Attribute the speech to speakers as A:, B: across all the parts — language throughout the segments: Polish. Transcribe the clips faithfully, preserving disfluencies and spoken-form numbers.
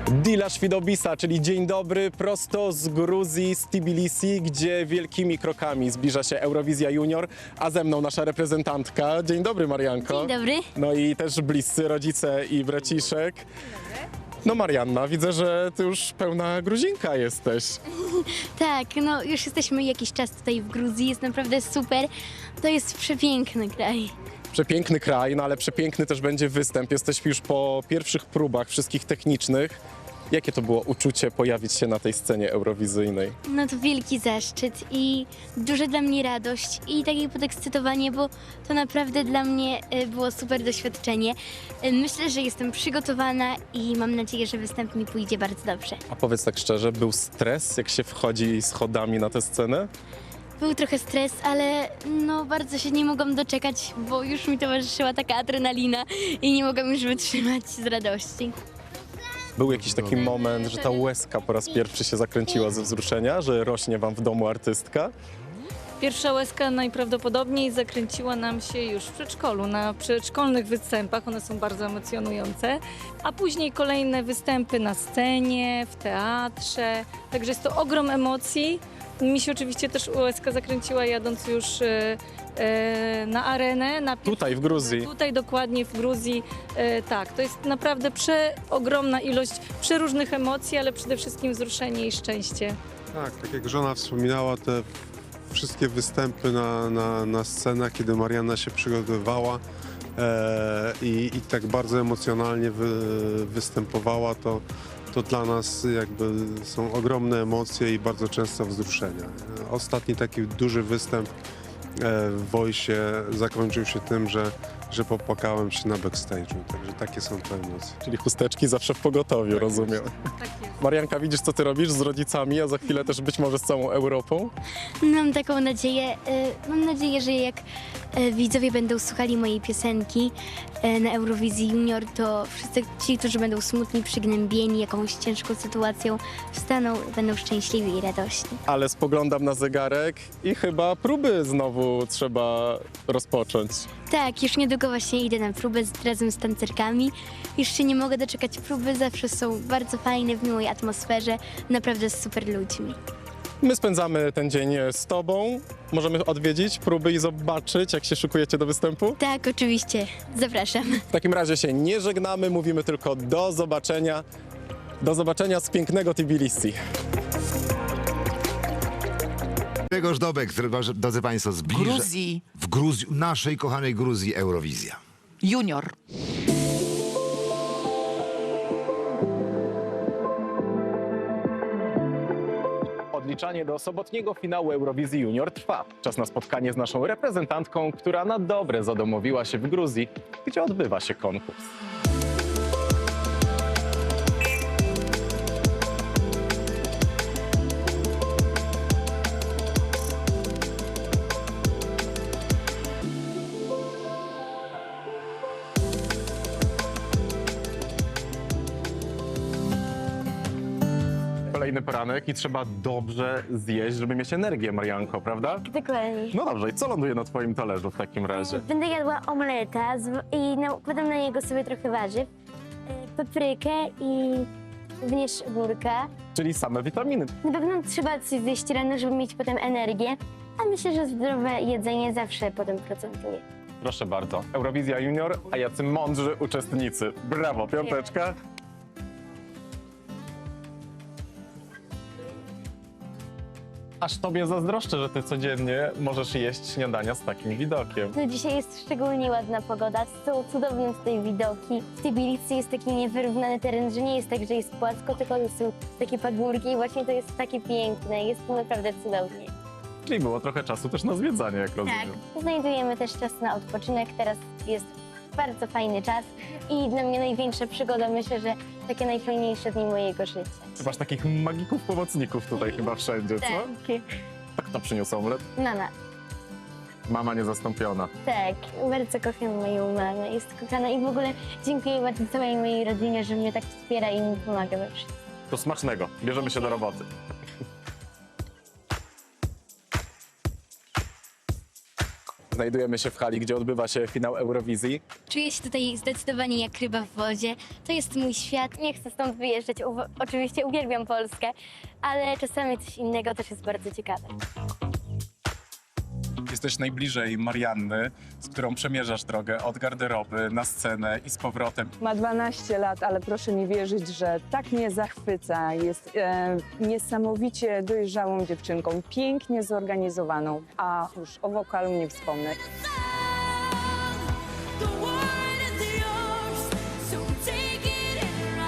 A: Dila Świdobisa, czyli dzień dobry, prosto z Gruzji, z Tbilisi, gdzie wielkimi krokami zbliża się Eurowizja Junior, a ze mną nasza reprezentantka. Dzień dobry, Marianko.
B: Dzień dobry.
A: No i też bliscy rodzice i braciszek. No Marianna, widzę, że ty już pełna Gruzinka jesteś.
B: Tak, no już jesteśmy jakiś czas tutaj w Gruzji, jest naprawdę super. To jest przepiękny kraj.
A: Przepiękny kraj, no ale przepiękny też będzie występ. Jesteśmy już po pierwszych próbach wszystkich technicznych. Jakie to było uczucie pojawić się na tej scenie eurowizyjnej?
B: No to wielki zaszczyt i duża dla mnie radość i takie podekscytowanie, bo to naprawdę dla mnie y, było super doświadczenie. Y, Myślę, że jestem przygotowana i mam nadzieję, że występ mi pójdzie bardzo dobrze.
A: A powiedz tak szczerze, był stres, jak się wchodzi schodami na tę scenę?
B: Był trochę stres, ale no bardzo się nie mogłam doczekać, bo już mi towarzyszyła taka adrenalina i nie mogłam już wytrzymać z radości.
A: Był jakiś taki moment, że ta łezka po raz pierwszy się zakręciła ze wzruszenia, że rośnie wam w domu artystka?
C: Pierwsza łezka najprawdopodobniej zakręciła nam się już w przedszkolu, na przedszkolnych występach, one są bardzo emocjonujące, a później kolejne występy na scenie, w teatrze, także jest to ogrom emocji. Mi się oczywiście też łezka zakręciła jadąc już e, e, na arenę. Na
A: Tutaj w Gruzji.
C: Tutaj dokładnie w Gruzji, e, tak, to jest naprawdę przeogromna ilość przeróżnych emocji, ale przede wszystkim wzruszenie i szczęście.
D: Tak, tak jak żona wspominała, te wszystkie występy na, na, na scenach, kiedy Marianna się przygotowywała e, i, i tak bardzo emocjonalnie wy, występowała, to, to dla nas jakby są ogromne emocje i bardzo często wzruszenia. Ostatni taki duży występ e, w Voice zakończył się tym, że, że popłakałem się na backstage'u, także takie są te emocje.
A: Czyli chusteczki zawsze w pogotowiu, rozumiem.
C: Tak jest.
A: Marianka, widzisz, co ty robisz z rodzicami, a za chwilę też być może z całą Europą?
B: Mam taką nadzieję, y, mam nadzieję, że jak y, widzowie będą słuchali mojej piosenki y, na Eurowizji Junior, to wszyscy ci, którzy będą smutni, przygnębieni jakąś ciężką sytuacją, wstaną, będą szczęśliwi i radośni.
A: Ale spoglądam na zegarek i chyba próby znowu trzeba rozpocząć.
B: Tak, już niedługo właśnie idę na próbę z, razem z tancerkami. Już się nie mogę doczekać próby, zawsze są bardzo fajne, w miłej atmosferze, naprawdę z super ludźmi.
A: My spędzamy ten dzień z tobą. Możemy odwiedzić próby i zobaczyć, jak się szykujecie do występu?
B: Tak, oczywiście, zapraszam.
A: W takim razie się nie żegnamy, mówimy tylko do zobaczenia. Do zobaczenia z pięknego Tbilisi.
E: Grzegorz Dobek, który, drodzy Państwo, zbliża...
F: Gruzji.
E: W Gruzji, naszej kochanej Gruzji, Eurowizja.
F: Junior.
A: Odliczanie do sobotniego finału Eurowizji Junior trwa. Czas na spotkanie z naszą reprezentantką, która na dobre zadomowiła się w Gruzji, gdzie odbywa się konkurs. Kolejny poranek i trzeba dobrze zjeść, żeby mieć energię, Marianko, prawda?
B: Dokładnie.
A: No dobrze, i co ląduje na twoim talerzu w takim razie?
B: Będę jadła omleta z, i nakładam na niego sobie trochę warzyw, y, paprykę i również ogórka.
A: Czyli same witaminy.
B: Na pewno trzeba coś zjeść rano, żeby mieć potem energię, a myślę, że zdrowe jedzenie zawsze potem procentuje.
A: Proszę bardzo. Eurowizja Junior, a jacy mądrzy uczestnicy. Brawo, piąteczka. Aż tobie zazdroszczę, że ty codziennie możesz jeść śniadania z takim widokiem.
B: No dzisiaj jest szczególnie ładna pogoda, są cudowne tutaj widoki. W Tbilisi jest taki niewyrównany teren, że nie jest tak, że jest płasko, tylko są takie pagórki i właśnie to jest takie piękne, jest tu naprawdę cudownie.
A: Czyli było trochę czasu też na zwiedzanie, jak rozumiem.
B: Tak, znajdujemy też czas na odpoczynek, teraz jest bardzo fajny czas i dla mnie największa przygoda, myślę, że takie najfajniejsze dni mojego życia.
A: Ty masz takich magików, pomocników tutaj chyba wszędzie, co?
B: Tak,
A: A kto przyniósł omlet?
B: mama,
A: Mama niezastąpiona.
B: tak, bardzo kocham moją mamę, jest kochana i w ogóle dziękuję bardzo całej mojej rodzinie, że mnie tak wspiera i mi pomaga we wszystkim.
A: To smacznego. Bierzemy się do roboty. Znajdujemy się w hali, gdzie odbywa się finał Eurowizji.
B: Czuję się tutaj zdecydowanie jak ryba w wodzie. To jest mój świat. Nie chcę stąd wyjeżdżać. Uwa- oczywiście uwielbiam Polskę, ale czasami coś innego też jest bardzo ciekawe.
A: Jesteś najbliżej Marianny, z którą przemierzasz drogę od garderoby na scenę i z powrotem.
F: Ma dwanaście lat, ale proszę mi wierzyć, że tak mnie zachwyca. Jest e, niesamowicie dojrzałą dziewczynką, pięknie zorganizowaną, a już o wokalu nie wspomnę.
G: The world is yours, so take it and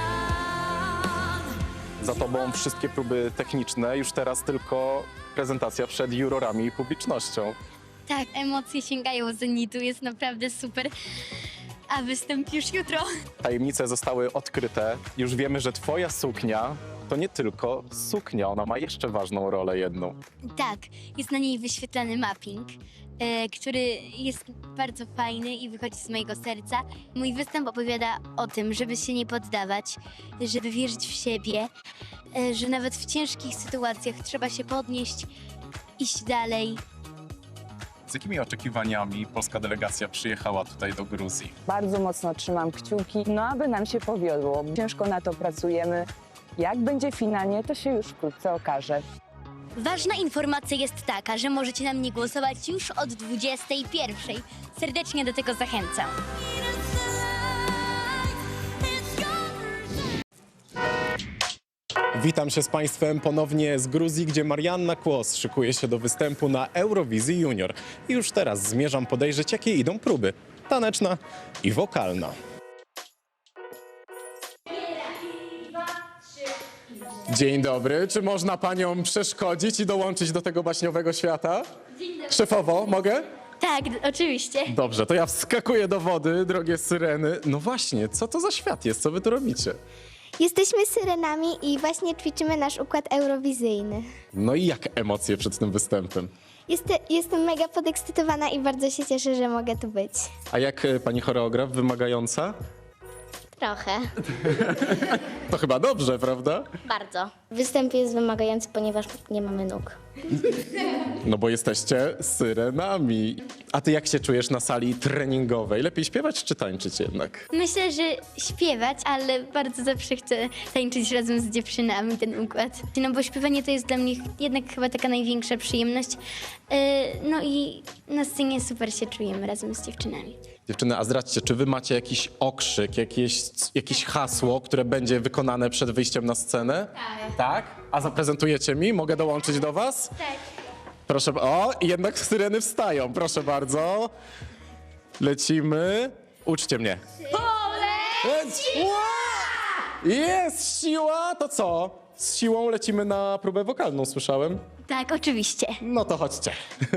G: run.
A: Za tobą wszystkie próby techniczne, już teraz tylko prezentacja przed jurorami i publicznością.
B: Tak, emocje sięgają zenitu, jest naprawdę super. A występ już jutro.
A: Tajemnice zostały odkryte. Już wiemy, że twoja suknia to nie tylko suknia, ona ma jeszcze ważną rolę jedną.
B: Tak, jest na niej wyświetlany mapping, e, który jest bardzo fajny i wychodzi z mojego serca. Mój występ opowiada o tym, żeby się nie poddawać, żeby wierzyć w siebie, e, że nawet w ciężkich sytuacjach trzeba się podnieść, iść dalej.
A: Z jakimi oczekiwaniami polska delegacja przyjechała tutaj do Gruzji?
F: Bardzo mocno trzymam kciuki, no aby nam się powiodło. Ciężko na to pracujemy. Jak będzie finalnie, to się już wkrótce okaże.
B: Ważna informacja jest taka, że możecie na mnie głosować już od dwudziestej pierwszej. Serdecznie do tego zachęcam.
A: Witam się z Państwem ponownie z Gruzji, gdzie Marianna Kłos szykuje się do występu na Eurowizji Junior. I już teraz zmierzam podejrzeć, jakie idą próby. Taneczna i wokalna. Dzień dobry, czy można Panią przeszkodzić i dołączyć do tego baśniowego świata? Szefowo, mogę?
B: Tak, oczywiście.
A: Dobrze, to ja wskakuję do wody, drogie syreny. No właśnie, co to za świat jest? Co Wy tu robicie?
H: Jesteśmy syrenami i właśnie ćwiczymy nasz układ eurowizyjny.
A: No i jak emocje przed tym występem?
H: Jest, jestem mega podekscytowana i bardzo się cieszę, że mogę tu być.
A: A jak e, Pani choreograf, wymagająca?
H: Trochę.
A: To chyba dobrze, prawda?
H: Bardzo. Występ jest wymagający, ponieważ nie mamy nóg.
A: No bo jesteście syrenami. A ty jak się czujesz na sali treningowej? Lepiej śpiewać czy tańczyć jednak?
B: Myślę, że śpiewać, ale bardzo zawsze chcę tańczyć razem z dziewczynami ten układ. No bo śpiewanie to jest dla mnie jednak chyba taka największa przyjemność. Yy, No i na scenie super się czujemy razem z dziewczynami.
A: Dziewczyny, a zdradźcie, czy wy macie jakiś okrzyk, jakieś, jakieś hasło, które będzie wykonane przed wyjściem na scenę? Tak. Tak? A zaprezentujecie mi? Mogę dołączyć do was?
B: Tak.
A: Proszę, o, i jednak syreny wstają, proszę bardzo. Lecimy. Uczcie mnie. Poleciła! Jest siła, to co? Z siłą lecimy na próbę wokalną, słyszałem.
B: Tak, oczywiście.
A: No to chodźcie.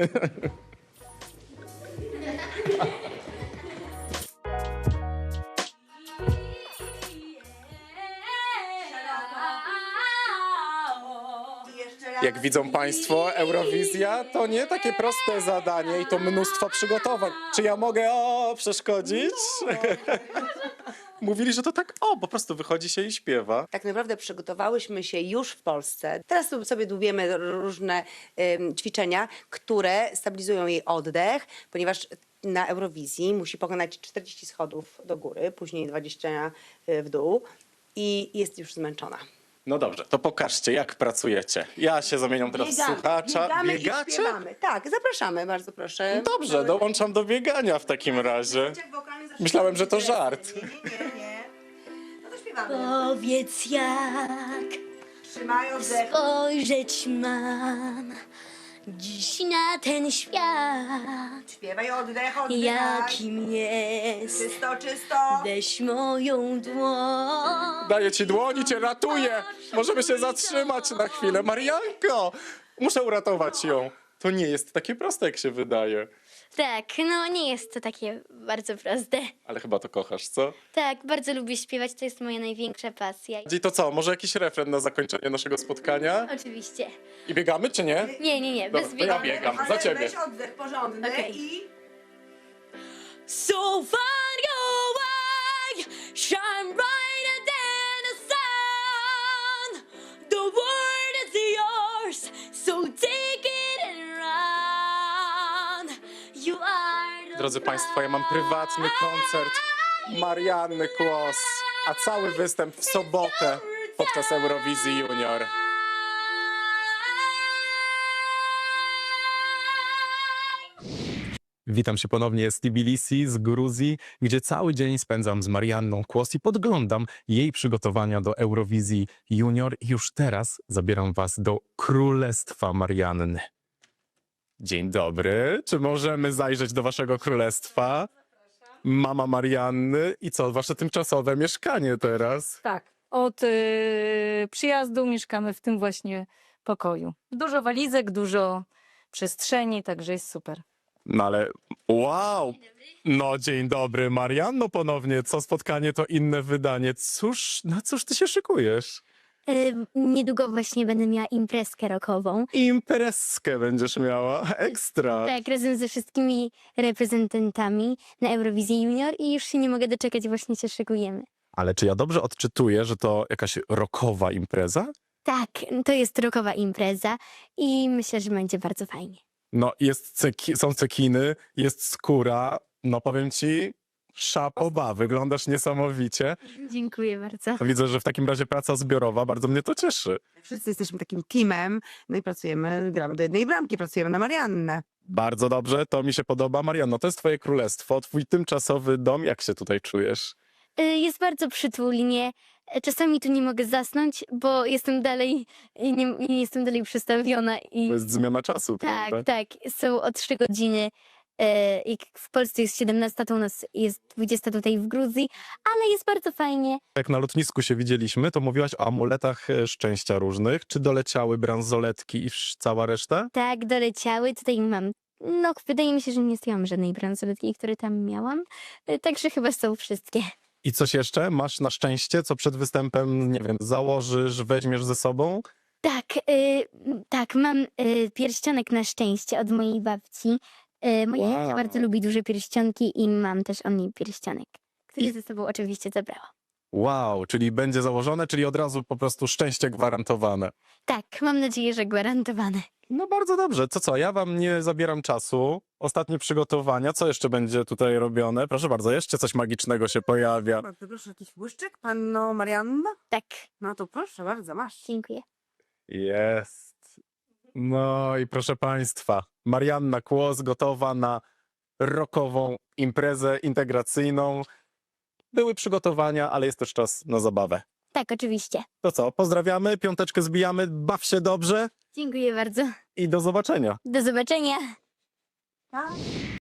A: Jak widzą Państwo, Eurowizja to nie takie proste zadanie i to mnóstwo przygotowań. Czy ja mogę o, przeszkodzić? Mówili, że to tak o, po prostu wychodzi się i śpiewa.
I: Tak naprawdę przygotowałyśmy się już w Polsce. Teraz tu sobie dłubiemy różne ym, ćwiczenia, które stabilizują jej oddech, ponieważ na Eurowizji musi pokonać czterdzieści schodów do góry, później dwadzieścia w dół i jest już zmęczona.
A: No dobrze, to pokażcie, jak pracujecie. Ja się zamieniam teraz w słuchacza.
I: biegamy i
A: Biegacie?
I: śpiewamy. Tak, zapraszamy, bardzo proszę.
A: Dobrze, dołączam do biegania w takim razie. Myślałem, że to żart.
I: Nie, nie, nie. No to śpiewamy.
B: Powiedz jak
I: Trzymaj oddech.
B: spojrzeć mam dziś na ten świat,
I: Śpiewaj oddech, oddech.
B: jakim jest.
I: Czysto, czysto.
B: Weź moją dłoń.
A: Daję ci dłoń i cię ratuję. Możemy się zatrzymać na chwilę. Marianko, muszę uratować ją. To nie jest takie proste, jak się wydaje.
B: Tak, no nie jest to takie bardzo proste.
A: Ale chyba to kochasz, co?
B: Tak, bardzo lubię śpiewać, to jest moja największa pasja.
A: I to co, może jakiś refren na zakończenie naszego spotkania?
B: Oczywiście.
A: I biegamy, czy nie?
B: Nie, nie, nie,
A: Dobra,
B: bez
A: to ja
B: biegania.
A: biegam,
I: Ale
A: za ciebie.
I: weź oddech porządny
B: Okej.
I: i...
G: So find your way, shine brighter than the sun. The world is yours, so take it and run. You are
A: drodzy Państwo, ja mam prywatny koncert Marianny Kłos, a cały występ w sobotę podczas Eurowizji Junior. Witam się ponownie z Tbilisi, z Gruzji, gdzie cały dzień spędzam z Marianną Kłos i podglądam jej przygotowania do Eurowizji Junior. I już teraz zabieram was do Królestwa Marianny. Dzień dobry, czy możemy zajrzeć do waszego królestwa? Mama Marianny i co, wasze tymczasowe mieszkanie teraz?
C: Tak, od y, przyjazdu mieszkamy w tym właśnie pokoju. Dużo walizek, dużo przestrzeni, także jest super.
A: No ale wow! No dzień dobry Marianno ponownie, co spotkanie to inne wydanie. Cóż, na cóż ty się szykujesz?
B: Y, niedługo właśnie będę miała imprezkę rockową.
A: Imprezkę będziesz miała, ekstra.
B: Tak, razem ze wszystkimi reprezentantami na Eurowizji Junior i już się nie mogę doczekać, właśnie się szykujemy.
A: Ale czy ja dobrze odczytuję, że to jakaś rockowa impreza?
B: Tak, to jest rockowa impreza i myślę, że będzie bardzo fajnie.
A: No jest ceki, są cekiny, jest skóra, no powiem ci, szapoba, wyglądasz niesamowicie.
B: Dziękuję bardzo.
A: Widzę, że w takim razie praca zbiorowa, bardzo mnie to cieszy.
J: Wszyscy jesteśmy takim teamem, no i pracujemy, gramy do jednej bramki, pracujemy na Mariannę.
A: Bardzo dobrze, to mi się podoba. Marianno, to jest twoje królestwo, twój tymczasowy dom, jak się tutaj czujesz?
B: Y, Jest bardzo przytulnie. Y, Czasami tu nie mogę zasnąć, bo jestem dalej, y, nie, nie jestem dalej przestawiona i
A: To jest zmiana czasu,
B: tak,
A: prawda?
B: tak, są o trzy godziny. y, Jak w Polsce jest siedemnasta, to u nas jest dwudziesta tutaj w Gruzji, ale jest bardzo fajnie.
A: Jak na lotnisku się widzieliśmy, to mówiłaś o amuletach e, szczęścia różnych. Czy doleciały bransoletki i wsz- cała reszta?
B: Tak, doleciały. Tutaj mam, no wydaje mi się, że nie zdjęłam żadnej bransoletki, które tam miałam, y, także chyba są wszystkie.
A: I coś jeszcze? Masz na szczęście, co przed występem, nie wiem, założysz, weźmiesz ze sobą?
B: Tak, y, m, tak, mam y, pierścionek na szczęście od mojej babci. Y, moja
A: Wow.
B: babcia bardzo lubi duże pierścionki i mam też od niej pierścionek, który
A: I-
B: ze sobą oczywiście zabrałam.
A: Wow, czyli będzie założone, czyli od razu po prostu szczęście gwarantowane.
B: Tak, mam nadzieję, że gwarantowane.
A: No bardzo dobrze. To co, ja wam nie zabieram czasu. Ostatnie przygotowania. Co jeszcze będzie tutaj robione? Proszę bardzo, jeszcze coś magicznego się pojawia.
J: Bardzo proszę, jakiś błyszczyk, panno Marianna?
B: Tak,
J: No to proszę bardzo, masz.
B: dziękuję.
A: Jest. No i proszę państwa, Marianna Kłos gotowa na rockową imprezę integracyjną. Były przygotowania, ale jest też czas na zabawę.
B: Tak, oczywiście.
A: To co, pozdrawiamy, piąteczkę zbijamy, baw się dobrze
B: Dziękuję bardzo.
A: i do zobaczenia.
B: Do zobaczenia.
J: Tak.